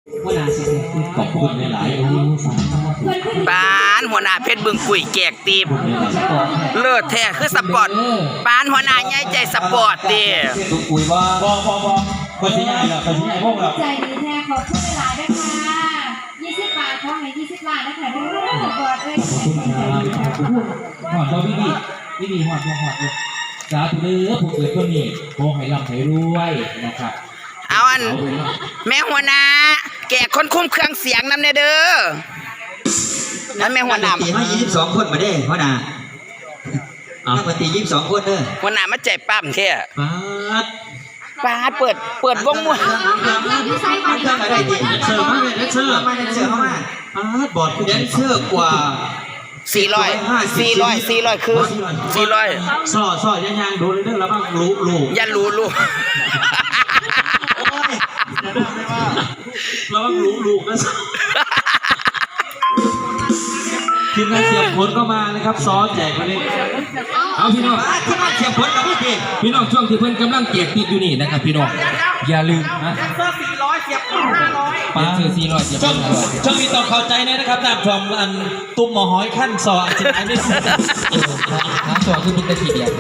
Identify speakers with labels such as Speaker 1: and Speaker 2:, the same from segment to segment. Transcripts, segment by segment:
Speaker 1: ขอบคุณหลายๆปานหัวหน้าเพชรบึงกุยแจกตีบเลิศแท้คือสปอร์ตปานหัวหน้าใหญ่ใจสปอร์ตดิ
Speaker 2: ตุกกุยว่าบคนที่ใหญ่เหรอคนที่ใหญ่พวกเรา
Speaker 3: ใจดีแท้ขอบคุณหลายๆนะคะ20 บาทขอให้20 ล้านนะคะด้วยสปอร์ตด้วย
Speaker 2: หอดเราพี่หอดสาธุเด้อผู้เกิดก็มีโอ้ให้ร่ำให้รวยนะครับ
Speaker 1: เอาอันแม่หัวหน้าแกะคนคุ้มเครื่องเสียงนำเด้อแล้วแม่หัวหน้า
Speaker 4: มา22 คนมาได้หัวหน้าปกติ22 คนเด้อ
Speaker 1: หัวหน้ามาใจปั้มเท่ปาดเปิดวงมวย
Speaker 4: เสิร์ฟมาเลยเสิร์ฟเข้ามาบอดแดนเซอร์กว่า
Speaker 1: 400คือ400
Speaker 2: ซอยังดูเรื่องแล้วบ้างรู้
Speaker 1: อย่ารู้
Speaker 2: เราบ้างรู้นะทีมงานเสียบผลก็มานะครับซ้อแจกมาเลยเอาพี่น้อง
Speaker 4: ทีมงานเสียบผลกับ
Speaker 2: พี่น้องช่วงที่เพิ่นกำลังแจกติดอยู่นี่นะครับพี่น้องอย่าลืมนะ
Speaker 1: เสื้อ400เสียบ500
Speaker 2: ป้าซื้อ400เสียบ500ช่วงนี้ต้องเข้าใจนะครับตามชมอันตุ้มหมอหอยขั้นซออันสุดท้ายนี่หาซอคือเป็นตะกี้เดียว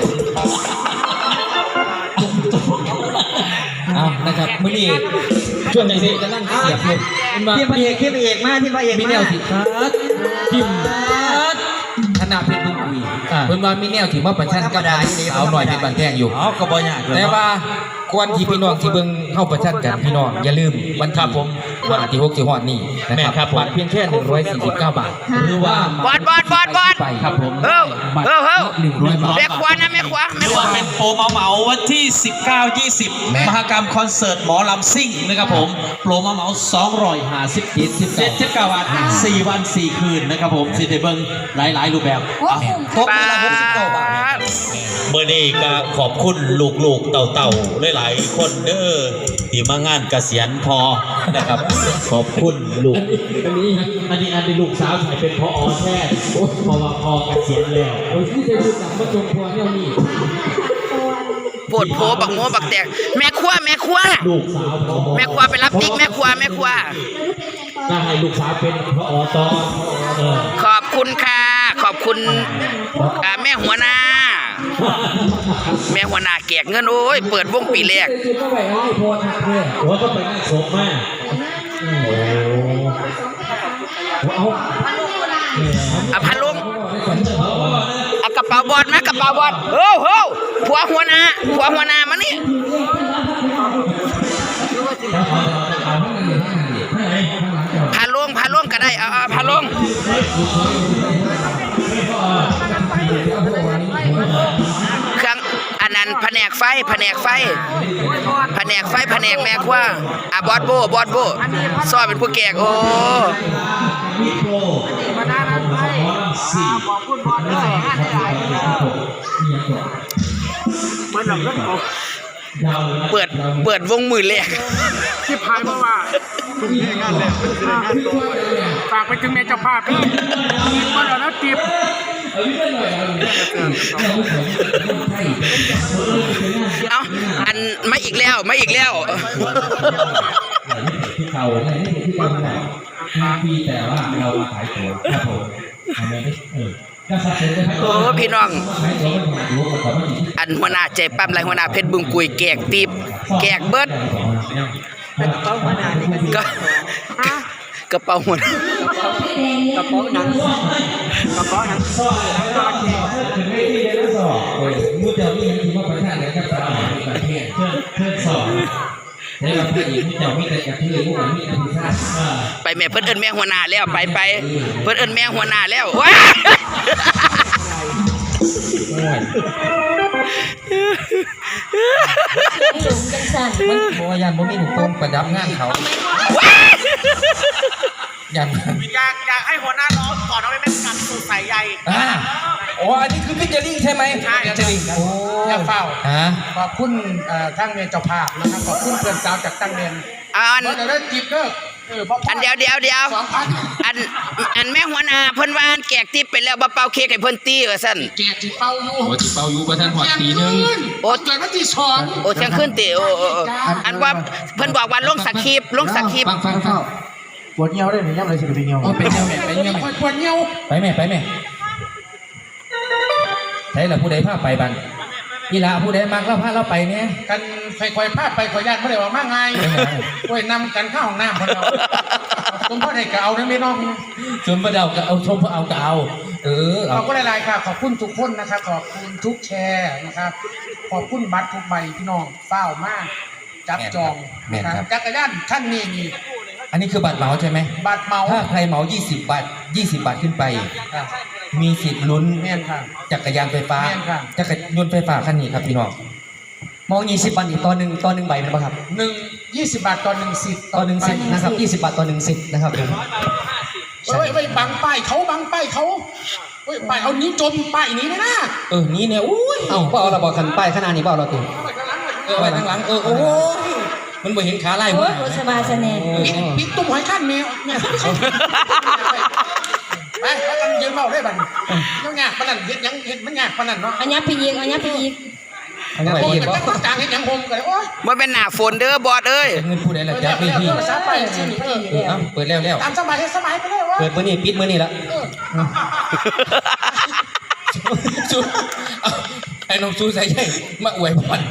Speaker 2: เอานะครับมื้อนี้ช่วงนี้จะนั่งเสียบเลย
Speaker 4: ที่พระเอกมาที่พระเอก
Speaker 2: มีแนวสิครับทิมขนาดเพชรบุญคุยเพิ่นว่ามีแนวที่มาประชันกับสาวหน่อยเป็นบางแท่งอยู่
Speaker 4: ก็บ่ยาก
Speaker 2: แต่ว่าควรที่พี่น้องที่เบิ่งเข้าประชันกันพี่น้องอย่าลืมวันที่ผมวันที่6สิฮอดนี้นะครับบัตรเพียงแค่149 บาทหรือว่า
Speaker 1: บอด
Speaker 2: ไปครับผม
Speaker 1: 100 บาทแม่ครัวนะแม่ครัว
Speaker 2: เป็นโปรเหมาวันที่19-20มหกรรมคอนเสิร์ตหมอลำซิ่งนะครับผมโปรเหมา257 บาท4 วัน4 คืนนะครับผมสิได้เบิ่งหลายรูปแบบ
Speaker 1: ตกไปละ69 บาท
Speaker 5: เมื่อนี้ก็ขอบคุณลูกๆเต่าๆหลายๆคนเด้อที่มางานเกษียณพอนะครับขอบคุณลูก
Speaker 2: อันนี้ลูกสาวใส่เป็นพอแท้เพราะว่าพอเกษียณแล้วที่จะดูจากมาจงพอเนี่ยนี่
Speaker 1: ปวดโผบักโมบักแตกแม่ครัว
Speaker 2: ลูกสาว
Speaker 1: แม่ครัวไปรับติ๊กแม่ครัว
Speaker 2: ถ้าให้ลูกสาวเป็นพอตอ
Speaker 1: ขอบคุณค่ะขอบคุณแม่หัวหน้าแจกเงินโอ้ยเปิดวงปีแรก
Speaker 2: ว่าก็ไปนั่งศพมาก
Speaker 1: เอาพันลงเอากระเป๋าบอลนะกระเป๋าบอลโอ้โหผัวหัวหน้ามานี่พาลงก็ได้เอาพาลงเครื่องอันนั้นแผนกไฟแผนกแม่ครัวบอสโบซอยเป็นผู้แก่โอ้เปิดวงมือแรก
Speaker 6: ที่พายเพราะว่าคุณแม่งานแรกฝากไปถึงแม่เจ้าภาพพี่มาแล้วจีบ
Speaker 1: เอาอันมาอีกแล้ว
Speaker 2: พี่แต่ว่าเราขายตัวครับผม
Speaker 1: โอ้พี่น้องอันหัวหน้าใจปั๊มไรหัวหน้าเพชรบึงกุยแจกตีบแจกเบิดกระเป๋าหัวหน้ากระเป๋าหนัง
Speaker 2: มุดเจ้านี่มันถือว่าประชาชนกับสาวประเทศเชิญสอนให้เราผู้หญิงเจ้ามีแต่กระเทยผู้หญิงมีแต่ผู้ชาย
Speaker 1: ไปแม่เพิ่นเอิ้นแม่หัวหน้าแล้วไปเพิ่นเอิ้นแม่หัวหน้าแล้วว้า
Speaker 2: มันโบยันบ่มีหนุ่มต้นประดับงานเขา
Speaker 6: อยากให้หัวหน้าร้องก่อนเอาไปเป็นกันสูตรใส่ใหญ่
Speaker 2: อ๋ออันนี้คือพิจาริงใช่ไหม
Speaker 6: ใช่พิจาริงโอ้ยเฝ้าขอบคุณทั้งเมียเจ้าภาพนะครับขอบคุณเพื่อนสาวจากตั้งเรียน
Speaker 1: อัน
Speaker 6: แล้วจีบก็
Speaker 1: อันเดียวอันแม่หัวหน้าเพิ่นว่าอันแจกติ๊บไปแล้วบ่เป่าเค้กให้เพิ่นตีว่าซั่น
Speaker 6: แจกที่เป่าอยู่
Speaker 2: โอ้ที่เป่าอยู่ประธานหอดตีหนึง
Speaker 1: โอ้
Speaker 6: เกิดวันที่สอง
Speaker 1: โอ้เที่ยงคืนติโอ้อันว่าเพิ่นบอกว่าลงสคริปต์
Speaker 2: ฟัง
Speaker 7: ปวดเงี้ยวได้ไหมย่ำเลยสิไปเงี้ยว
Speaker 2: โอ้ไปเงี้ยวแม่ไปเงี้ยวแม่
Speaker 6: คอยปวดเงี้ยว
Speaker 2: ไปแม่ใช่ละผู้ใดพาไปบันนี่ละผู้ใดมักเราพาเราไปเนี่ย
Speaker 6: กันคอยพาไปขอญาติไม่ได้ว่ามาไงโอ้ยนำกันเข้าห้องน้ำคนเราผมพ่อได้ก็เอาได้ไม่น้อง
Speaker 2: ชมประเดาก็เอาชมเอาก็เอาเอา
Speaker 6: ขอบคุณหลายๆค่ะขอบคุณทุกคนนะครับขอบคุณทุกแชร์นะครับขอบคุณบัตรทุกใบพี่น้องเฝ้ามากจับจองนะครับจักรยานท่านนี่นี่
Speaker 2: อันนี้คือบัตรเหมาใช่ไหม
Speaker 6: บัตรเมา
Speaker 2: ถ้าใครเหมา20 บาทขึ้นไป
Speaker 6: ครับ
Speaker 2: มีสิทธิ์ลุ้น
Speaker 6: แม่นค่ะ
Speaker 2: จักรยานไฟฟ้า
Speaker 6: แม่นครับ
Speaker 2: จักรยานไฟฟ้าคันนี้ครับพี่น้อง
Speaker 7: มอง20 บาทอีกตอนหนึ่งใบเป็นป่ะครับ
Speaker 6: 20 บาทต่อ1สิทธิ์
Speaker 7: ตอนหนึ่งสิทธิ์นะครับ20 บาทต่อ1สิทธิ์นะครับผม
Speaker 6: เฮ้ยบังป้ายเขาเฮ้ยป้ายเอานิ้วจมป้ายนี้ไหมนะ
Speaker 2: นี่เนี่ยอุ้ย
Speaker 7: เอ้าก็เอาเราบอกกันป้ายขนาดนี้เปล่าเราติ
Speaker 2: ไว้ทางหลังโอ้ยมันบ่เห็นขาไล่
Speaker 3: โอ้
Speaker 2: บ่
Speaker 3: ยโอสบายสแนน
Speaker 6: ปิดตุ้มหอยขั้นแมวเนี่ยไปแล้วกันยืนเมาได้บัดยังยากปานนั้นเฮ็ดมันยากปานนั้นเนาะ
Speaker 3: อันนี้ไปยิง
Speaker 7: อันนี้
Speaker 6: โอ้
Speaker 7: ไป
Speaker 6: ย
Speaker 7: ยิง
Speaker 6: เป็น
Speaker 7: บ่
Speaker 6: จังกลางเฮ็ดหยังโฮมกันโอ้ย
Speaker 1: บ่เป็นหน้าฝนเด้อบอดเอ้ย
Speaker 2: เงินผู้ใดล่ะจับไปที่
Speaker 6: ภาษาไปสิเออ
Speaker 2: เปิดแล้ว
Speaker 6: ตามสบายเฮ็ดสบายไปเลยว่า
Speaker 7: เปิดมื้อนี้ปิดมื้อนี้ละ
Speaker 2: ชูไอ้น้องชูใส่ใหญ่มาอวยพร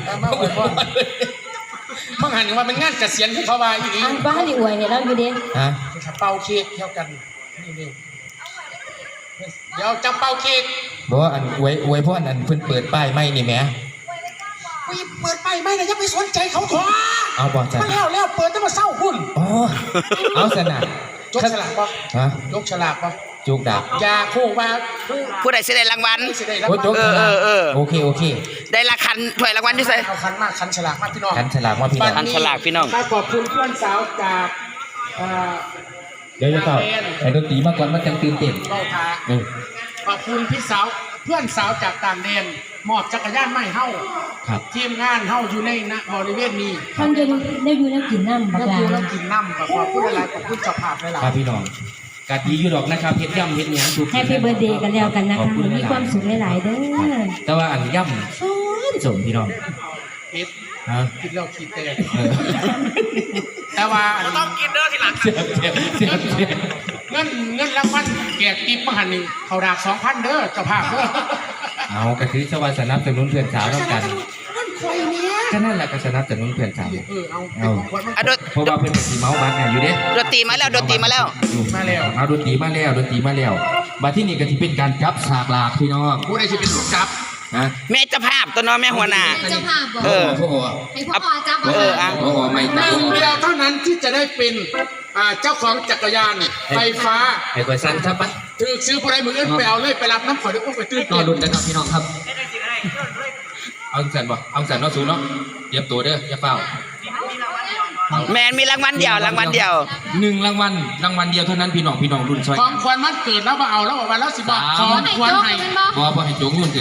Speaker 6: บางหันว่ามันงานเกษียณที่เขาว่าอีหลี
Speaker 3: อันบ้านนี่อวยเนี่ยเราอยู่เด้
Speaker 2: ฮะ
Speaker 6: เป่าเค้กเท่ากันนี่เดี๋ยวจะเป่าเค้ก
Speaker 2: บอกว่าอันอวยพรอันเพิ่นเปิดป้ายไม่นี่แหม
Speaker 6: เปิดไปไม่นะอย่าไปสนใจเขาขอ
Speaker 2: เอาบ่จ้ะ
Speaker 6: มาแล้วเปิดจะมาเศร้าคุณ
Speaker 2: อ๋อเอาสนะ
Speaker 6: ยกฉลากปะ
Speaker 2: ฮะ
Speaker 6: ยกฉลากปะ
Speaker 2: จุกดัก
Speaker 6: ยาคู่ว่า
Speaker 1: ผู้ใดสิได้รางวัล
Speaker 6: สิได้รับ
Speaker 2: โอ้ยจุก โอเค
Speaker 1: ได้ละคันถ้วยรางวัลอยู่ไส
Speaker 6: เอาคันมาคันฉลากมาพี่น้อง
Speaker 2: ขันฉลากว่าพี่น้อง
Speaker 1: คันฉลากพี่น้อง
Speaker 6: ขอบคุณเพื่อนสาวจาก
Speaker 2: เดี๋ยวจะเปล่าไอ้ดนตรีมาก่อนมันจังตื่นเต้น
Speaker 6: เบ้าทา
Speaker 2: เออ
Speaker 6: ขอบคุณพี่สาวเพื่อนสาวจากต่างแดนมอบจักรยานไม่เฮ้า
Speaker 2: ครับ
Speaker 6: ทีมงานเฮ้าอยู่ในบริเวณนี้
Speaker 3: ท่านจะได้อยู่แล้วกินน้ำบัก
Speaker 6: แล้ว
Speaker 3: ลา
Speaker 6: ดูแล้วกินน้ำขอบคุณหลายๆขอบคุณเจ้าภาพหลาย
Speaker 2: ครับพี่น้องกะดีอยู่ดอกนะครับเฮ็ดย่ำเฮ็ดหยังถูก
Speaker 3: แฮปปี้เบิร์ดเดย์กันแล้วกันนะคะมีความสุขหลายๆเด้อ
Speaker 2: แต่ว่าอันย่ำสมพี่น้อง
Speaker 6: ๆคิด
Speaker 2: ฮะ
Speaker 6: คิดแล้วคิดแต่
Speaker 2: เออ
Speaker 6: แต่ว่า
Speaker 1: ต้องกินเด้อทีหลัง
Speaker 2: เสียบ
Speaker 6: เงินรางวัลแจกติ๊บมหันนี่เขาดาก2,000เด้อเจ้าภาพเด้อ
Speaker 2: เอากระถือชาวาสนับสนุนเพื่อนสาวแล้วกัน
Speaker 6: มันคอยเนี้ย
Speaker 2: ก็นั่นแหละก็สนับสนุนเพื่อนสาว
Speaker 6: เอาเป็นของขวัญมัน
Speaker 1: อ่ะ
Speaker 2: เพราะว่าเพื่อนสีเมาบัตรเนี่ยอยู่เด้
Speaker 1: ดนตรีมาแล้ว
Speaker 6: มาแล้ว
Speaker 2: เอาดนตรีมาแล้วบัตรที่นี่ก็ที่เป็นการจับฉากหลากพี่น้อง
Speaker 6: ผู้ใดที่เป็นลูกจับ
Speaker 2: นะ
Speaker 1: แม่เจ้าภาพตัวน้องแม่หัวหน้า
Speaker 3: เจ้าภาพบอก
Speaker 1: เออ
Speaker 2: โอ้โห
Speaker 3: ให้พ่อจับ
Speaker 1: เอออ่ะ
Speaker 2: โอ้โหไม่
Speaker 6: ห
Speaker 2: ตัด
Speaker 6: นึ่งเดียวเท่านั้นที่จะได้เป็นเจ้าของจักรยานไฟฟ้า
Speaker 2: ไอ้กวยสั้นครับปะ
Speaker 6: ถือซื้อผู้ใดมืออื่นไปเอาเลยไปรับน้ำขอได้อุ้มไปตื้น
Speaker 7: รอลุ้นกันครับพี่น้องครับ
Speaker 2: เอาสันบ่เอาสันเนาะสูเนาะเตรียมตัวเด้ออย่าเฝ้า
Speaker 1: แมนมีรางวัลเดียวรางวัลเดียว
Speaker 2: 1รางวัลเดียวเท่านั้นพี่น้องรุ่นซอย
Speaker 6: ของควรมันเกิดแล้วมาเอาแล้วบอกว่าแล้วสิบอกของควรให้
Speaker 2: พอให้โจงยุ่นขึ้น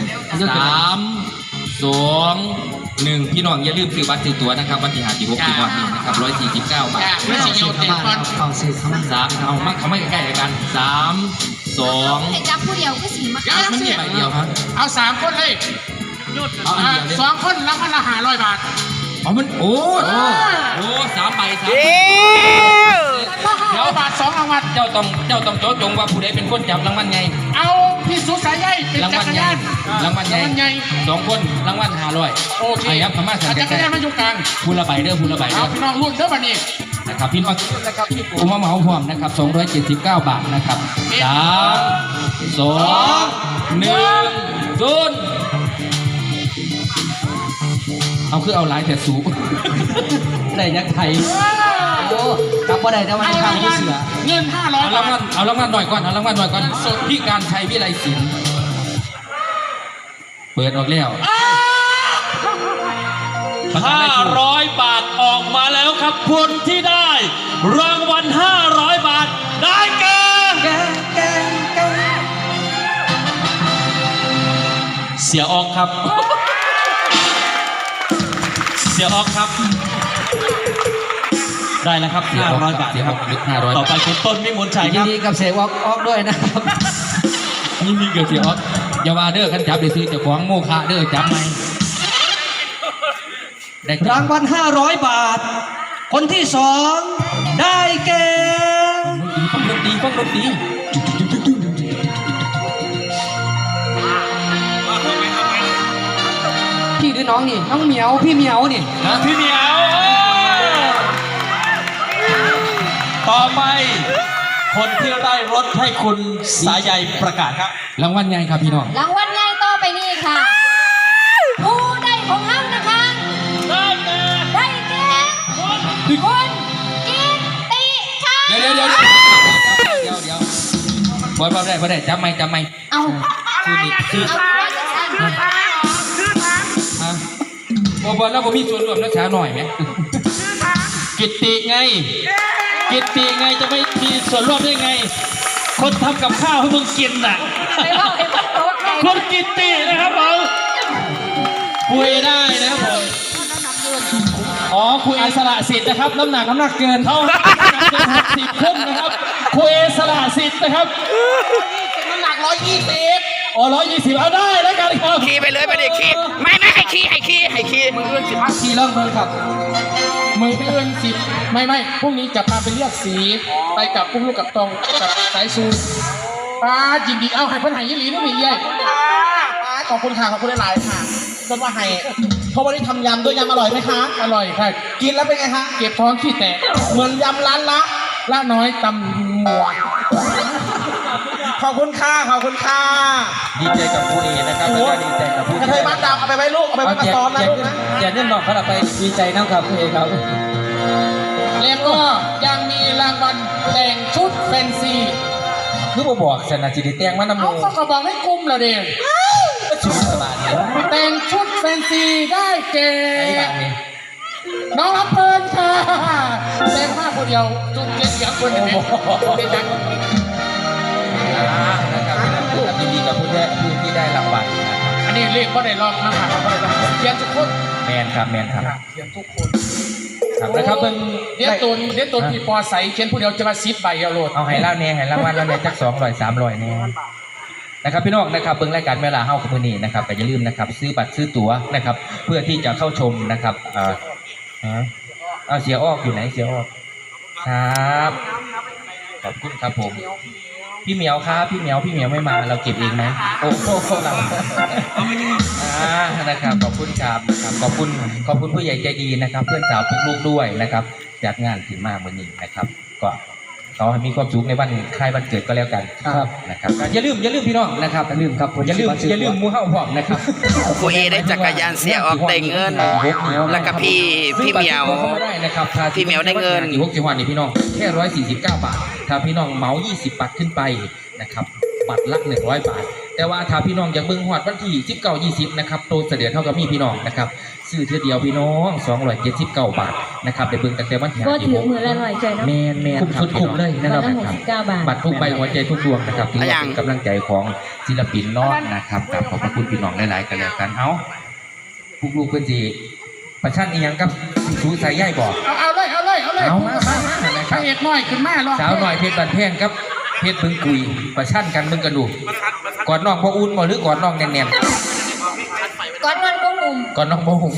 Speaker 2: 3 2 1พี่น้องอย่าลืมซื้อบัตรซื้อตั๋วนะครับวันที่5ที่6ที่วันนี้นะครับ149 บาท
Speaker 6: ไม่ใช่เกี่ยวแต่ก่อน
Speaker 7: เอาสิเข้ามา
Speaker 2: 3เอามาเขาไม่ใกล้ๆกัน3 2
Speaker 3: ให้จับผู้เดียวก็สีมา
Speaker 2: มันมีใบเดียวครับ
Speaker 6: เอา3 คนเลย
Speaker 2: เอาอันเดียวเลย
Speaker 6: 2 คนแล้วมันละ500 บาท
Speaker 2: อ๋อมันโอ้3 ใบ
Speaker 1: เย้
Speaker 2: เดี๋ยว
Speaker 6: บาท2 รางวัล
Speaker 2: เจ้าต้องโจทย์จงว่าผู้ใดเป็นคนจับรางวัลไง
Speaker 6: เอาพี่สุสายใยเป็น
Speaker 2: ราง
Speaker 6: จั
Speaker 2: วัล
Speaker 6: กร
Speaker 2: ใหญ่
Speaker 6: ยาน
Speaker 2: รางวัลใหญ่2 คนรางวัล500
Speaker 6: โอเค
Speaker 2: ครับพม่าสั่ง
Speaker 6: จักรยานมาอยู่กลาง
Speaker 2: พูละใบเด้อพูละใบ
Speaker 6: เอา
Speaker 2: เด้อ
Speaker 6: พี่น้องรุ่นเด้อบัดนี้
Speaker 2: นะครับพี่น้อง
Speaker 6: นะครับพี่
Speaker 2: ผมมาเหมาพร้อมนะครับ279 บาทนะครับ3 2 1 0เอาคือเอาหลายแต่สู
Speaker 7: ได้ยักษ์ไทยโอ้กลับบ่ได้แต่ว่าข้างผู้เสือ
Speaker 6: เงิน
Speaker 2: เอา
Speaker 6: 500
Speaker 2: ราง
Speaker 6: บา
Speaker 2: วัล
Speaker 6: ท
Speaker 2: เอารางวัลหน่อยก่อนพี่การชัยวิไลศิลป์เปิดออกแล้ว500 บาทออกมาแล้วครับคนที่ได้รางวัล500 บาทได้แก่เสียออกครับ เสียออกครับได้แล้วครับ500 บาทครับ
Speaker 7: 500
Speaker 2: ต่อไปคุณต้นวิมลชัย
Speaker 7: ยิ
Speaker 2: คน รับ
Speaker 7: ดีกับเสกออกด้วยนะครับยินดีกับเสกออกอย่าว่าเด้อขันจับได้ซื้อเจ้าของโมฆะเด้อจับไหมรางวัล500 บาท คนที่2ได้แก่ฟังดนตรีพี่หรือน้องนี่น้องเหมียวพี่เหมียวนี่นะ
Speaker 2: พี่เหมียวต่อไป คนที่ได้รถให้คุณสายใยประกาศครับ
Speaker 7: รางวัลไงครับพี่น้อง
Speaker 3: รางวัลใหญ่ต่อไปนี่ค่ะผู้ได้ของเรานะคะได้แก่คุณกิตติค่ะ
Speaker 7: เดี๋ยวบอลได้จำไม่
Speaker 3: เอา
Speaker 7: คือ
Speaker 3: เอาไว้กัน
Speaker 7: บอลแล้วผมมีส่วนร่วมนักษาหน่อยไหม
Speaker 2: กิตติไง กิตติไงจะไม่มีส่วนร่วมได้ไง คนทำกับข้าวให้มึงกินน่ะ
Speaker 3: ไปบอกไอ้คนโต๊ะไง
Speaker 2: คุณกิตตินะครับผมคุยได้นะครับผมอ๋อคุยสละสิทธิ์นะครับน้ำหนักเกินเขา60ขึ้นนะครับคุยสละสิทธิ์นะครับน้ำหนัก120อ๋อ120เอาได้แล้วกันครับ
Speaker 1: ขี่ไปเลยไปดิขี่ไม่ให้ขี่
Speaker 6: มืออื่น10ทีเริ่มเบิ่งครับมืออื่น10ไม่พรุ่งนี้จะพาไปเลือกสีไปกับปุ้งลูกกับตองกับสายซูป้ายินดีเอาให้เพิ่นให้ยี่หลีนี่มีเย้ยป้าขอบคุณค่ะขอบคุณหลายๆค่ะจนว่าให้เพราะวันนี้ทำยำด้วยยำอร่อยไหมคะอร่อยค่ะกินแล้วเป็นไงคะเก็บท้องขี้แตกเหมือนยำร้านละน้อยตำหมวกขอบคุณค่ะ
Speaker 7: ดีใจกับผู้เอนะครับแล้วก็ดีใจกับผู้
Speaker 6: กระเทยบ้านดำเอาไปไว้ลูกเอาไปไว้มาซ้อมนะลูกนะ
Speaker 7: อย่าเล่นบอกเขาเราไปดีใจนะครับผู้เอครับ
Speaker 6: แล้วก็ยังมีรางวัลแต่งชุดแฟนซี
Speaker 7: คือบ่บอกสนาจิตแตงมันน้ำ
Speaker 6: เอา
Speaker 7: มู
Speaker 6: ก็กระบอกให้กุมแล้วเด็ก
Speaker 7: ชุดสบายเนี่ย
Speaker 6: แต่งชุดแฟนซีได้แก่
Speaker 7: ไอ้แบบนี้
Speaker 6: น้องรับเพลินค่ะแต่งผ้าคนเดียวจุดเจ็ดเสียงคนเดียวเป็นจัง
Speaker 7: นะครับยินดีกับผู้ที่ได้รางวัลนะครับ
Speaker 6: อันนี้เรียกว่าได้ลองนะครับว่าได้ลองเขียนทุกคน
Speaker 7: แมนครับ
Speaker 6: เขียนทุกคน
Speaker 7: ครับนะครับเบิ่ง
Speaker 6: เดี๋ยวตูนพี่ปอใสเขียนผู้เดียวจะมาซิดใบเอาโหลด
Speaker 7: เอาให้เล่าเนี่ยให้รางวัลแล้วเนี่ยจัก200 300เนี่ยนะครับพี่น้องนะครับเบิ่งรายการเวลาเฮากับมื้อนี้นะครับก็อย่าลืมนะครับซื้อบัตรซื้อตั๋วนะครับเพื่อที่จะเข้าชมนะครับเอาเสียออกอยู่ไหนเสียออกครับขอบคุณครับผมพี่เหมียวครับพี่เหมียวไม่มาเราเก็บเองไหมโอ้โหเรานะครับขอบคุณครับนะครับขอบคุณผู้ใหญ่ใจดีนะครับ เพื่อนสาวทุกลูกด้วยนะครับจัดงานถึงมากวันนี้นะครับก็ขอให้มีความสุขในวันคล้ายวันเกิดก็แล้วกันครับนะครับอย่าลืมพี่น้องนะครับอย่าลืมครับอย่าลืมหมู่เฮาพร้อมนะครับ
Speaker 1: ผู้เอได้จักรยานเสียออกได้เงิน แล้วก็พี่เหมียว พี่เหมียวได้เงิน
Speaker 7: อยู่6จังหวัดนี่พี่น้องแค่149 บาทถ้าพี่น้องเหมา20 บาทขึ้นไปนะครับบัตรละ100 บาทแต่ว่าถ้าพี่น้องอยากเบิ่งฮอดวันที่19-20นะครับโตเสด็จเท่ากับมีพี่น้องนะครับซื้อเท่าเดียวพี่น้อง279 บาทนะครับได้เบิ่งตั้งแต่วันที่
Speaker 8: ก็ถือมือละหน่อยใจเนาะ
Speaker 7: แม่นครับคุ้มเลยนะครับ
Speaker 8: วันละ69 บาท
Speaker 7: บัตรทุกใบหัวใจทุกดวงนะครับถือว่าเป็นกำลังใจของศิลปินน้องนะครับกับขอบพระคุณพี่น้องหลายๆกันแล้วกันเอาลูกๆเพิ่นสิประชันอีหยังกับสูสายใยบอก
Speaker 6: เอาเลย
Speaker 7: เอามา
Speaker 6: พระเอกน้อยขึ้นมาหรอ
Speaker 7: สาวหน่อยเพชรบันแพงครับเพชรบึงกุยประชันกันมึงกันดูก่อนน้องพ่ออุ่นบ่หรือก่อนน้องแน่น
Speaker 3: ก่อนวันก็หนุ่ม
Speaker 7: ๆก่อนน้องบ่หุ่ม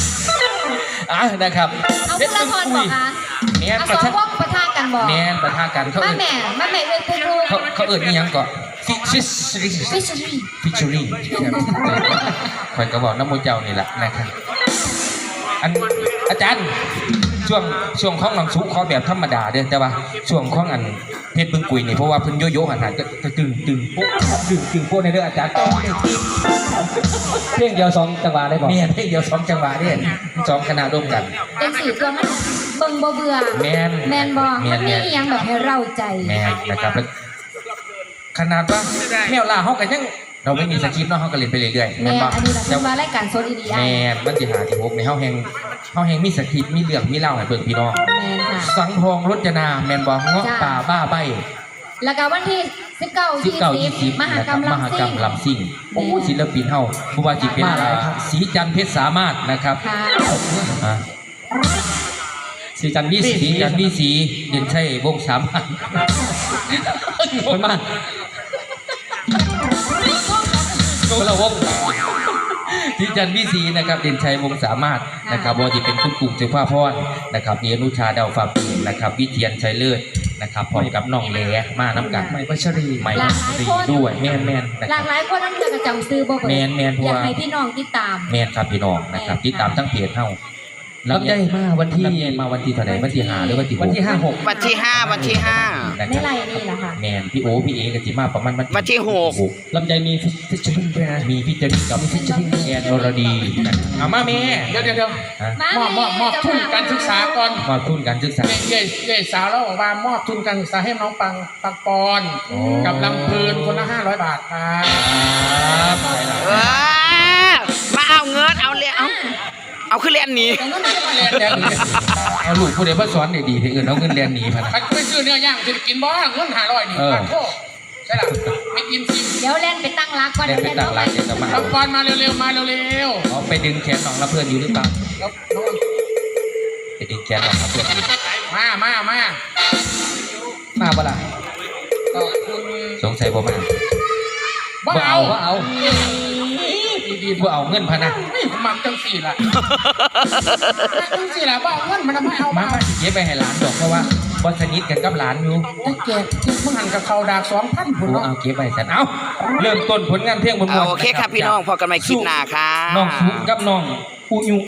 Speaker 7: นะครับ
Speaker 3: เอา
Speaker 7: เพ
Speaker 3: คุ
Speaker 7: ช
Speaker 3: ณ
Speaker 7: รบึ
Speaker 3: ละ
Speaker 7: ง
Speaker 3: คร
Speaker 7: กุ
Speaker 3: บอย กคะ
Speaker 7: แม่น
Speaker 3: เอา
Speaker 7: ประ
Speaker 3: สอ
Speaker 7: ชั
Speaker 3: ง
Speaker 7: น
Speaker 3: พวกประทากันบอก
Speaker 7: แม่นประทากันเขา
Speaker 3: มา
Speaker 7: เอิ้น
Speaker 3: แม่เรียนครู
Speaker 7: เขาเอิ้นอีหยังก่อนฟิช
Speaker 3: ฟิชชี่
Speaker 7: ฟิชรี่คอยกระบอกน้ำมูเจ้านี่แหละนะครับอันอาจารย์ช่วงของน้ำซุปขอแบบธรรมดาเด้อแต่ว่าช่วงของอันเพชรบึงกุยนี่เพราะว่าเพิ่นโยโย่หันก็ตึงปุ๊บตึงโป๊ะในเรื่องอาจารย์เพลงเดียว2จังหวะได้บ่เนี่ยเพลงเดียว2จังหวะเนี่ย2คณะร่วมกัน
Speaker 3: เป็นสี่ตัวมันเบิ่งบ่เบื่อ
Speaker 7: แมน
Speaker 3: บ่มันมีอหยังแบบให้เราใจ
Speaker 7: แมนนะครับขนาดว่าแมวล่าเฮาก็ยังเราไม่มีสคริปต์เนาะเฮาก็เล่นไปเรื่อยๆ
Speaker 3: แม่
Speaker 7: บ่
Speaker 3: อันนี้เราเป็นว่ารายการโซนอีดีไอ
Speaker 7: แม่นมันสิหาที่6ในเฮาแฮงมีสคริปต์มีเรื่องมีเล่าให้เบิ่งพี่น้อง
Speaker 3: แม่ค่ะ
Speaker 7: สังทองรจนาแม่นบ่เงาะป่าบ้าใบ
Speaker 3: แล้วก็วันที่19-20 มหกรรม
Speaker 7: มหกรรมลำซิ่งโอ้ศิลปินเฮาบ่ว่าสิเป็นสีจันทร์เพชรสามารถนะครับ
Speaker 3: ค่ะ
Speaker 7: อ่ะสีจันทร์วีสีเด่นชัยวงศ์3,000คนมาคนละวงสีจันทร์วีสีนะครับเด่นชัยวงศ์สามารถนะครับว่าจะเป็นคุณกรุงเจ้าพ่อพรนะครับมีอนุชาดาวฟ้าปีนะครับวิเทียนชัยเลิศนะครับพร้อมกับน้องแหลมาน้ำกันใหม่พัชรีด้วยแม่นนะ
Speaker 3: ห
Speaker 7: ค
Speaker 3: ลา
Speaker 7: รับ
Speaker 3: กหลายคนนั่นจะจำซื้อบ่เบิด
Speaker 7: แม่นเพราะ
Speaker 3: อยาก
Speaker 7: ว่า
Speaker 3: ให้พี่น้องติดตาม
Speaker 7: แม่นครับพี่น้องนะครับติดตามทั้งเพจเฮา
Speaker 5: ลำไยมาวันที่
Speaker 7: ลำไยมาวันที่เท่าไหร่วันที่5หรือวันที่6
Speaker 5: วันที่ 56
Speaker 1: วันที่ 5 วันที่
Speaker 7: นะ
Speaker 3: ใน
Speaker 7: ครับ
Speaker 3: ไรนี่แหละค่ะ
Speaker 7: แมนพี่โอพี่เอกับจิมาประมาณ
Speaker 1: วันที่
Speaker 5: ลำไยมีฟิชเชอร์ลิงด้วยนะ
Speaker 7: มีพี่เจนี่กับพี่เจนี่แอนอรดีนะครับเอามาแม่
Speaker 6: เดี๋ยว
Speaker 7: ฮะ
Speaker 6: มอบทุนการศึกษาก่อน
Speaker 7: มาทุนการศึกษา
Speaker 6: เย่สาวเราบอกว่ามอบทุนการศึกษาให้น้องปังปอน
Speaker 7: โอ้
Speaker 6: กับลำเพลินคนละ500 บาทครับ
Speaker 7: ครับไปละ
Speaker 1: 5มาเอาเงินเอาเลยเอาขึ้นเรียนหนี
Speaker 6: แต่ก็ไม่ได้มาเรียนแดงนี่
Speaker 7: เอาลูกผู้ใดมาสอนดีๆที่อื่นเอาเงินเรียนหนีพะนะ
Speaker 6: ใครไปซื้อเนื้อย่างจะกินบ้างเงิน500นี่
Speaker 7: เออ
Speaker 6: ปากโทษใช่หรอไม่กินซิม
Speaker 3: เดี๋ยวเล่นไปตั้งรักก่อน
Speaker 7: เรียน
Speaker 3: เดี๋ยว
Speaker 7: ไป
Speaker 3: เล่น
Speaker 7: ต่าง
Speaker 3: เข้า
Speaker 7: ห
Speaker 3: ไป
Speaker 7: ลักเดี๋ยวจะมา
Speaker 6: ลำปอนมาเร็วๆมาเร็ว
Speaker 7: เอาไปดึงแขนน้องละเพื่อนอยู่หรือเปล่า
Speaker 6: ๆแล้วน้อง
Speaker 7: ไปดึงแขนน้องละเพื่อนอยู่
Speaker 6: มา
Speaker 7: มาบ่ล่ะ
Speaker 6: ขอบคุณ
Speaker 7: สงสัยบ่มา
Speaker 6: บ้าเอา
Speaker 7: บ่เอา
Speaker 6: ดี
Speaker 7: บ่เอาเงินพะนะ
Speaker 6: ไม่ผมมักจังสี่ละจังสี่ละบ้าเอาเงินมันไม่เอา
Speaker 7: มาสิเก็บไปให้หลานดอกเพราะว่าบ่สนิทกันกับหลานอยู่
Speaker 6: จะแจกเพิ่งหันกับเขาดาบ2,000พุ่น
Speaker 7: โอ้
Speaker 6: เนาะ
Speaker 7: เอาเก็บไว้สันเอาเริ่มต้นผลงานเพลงบน
Speaker 1: โอเคครับพี่น้องพอกันใหม่คลิปหน้าค่ะ
Speaker 7: น้องสุกับน้องอุยุ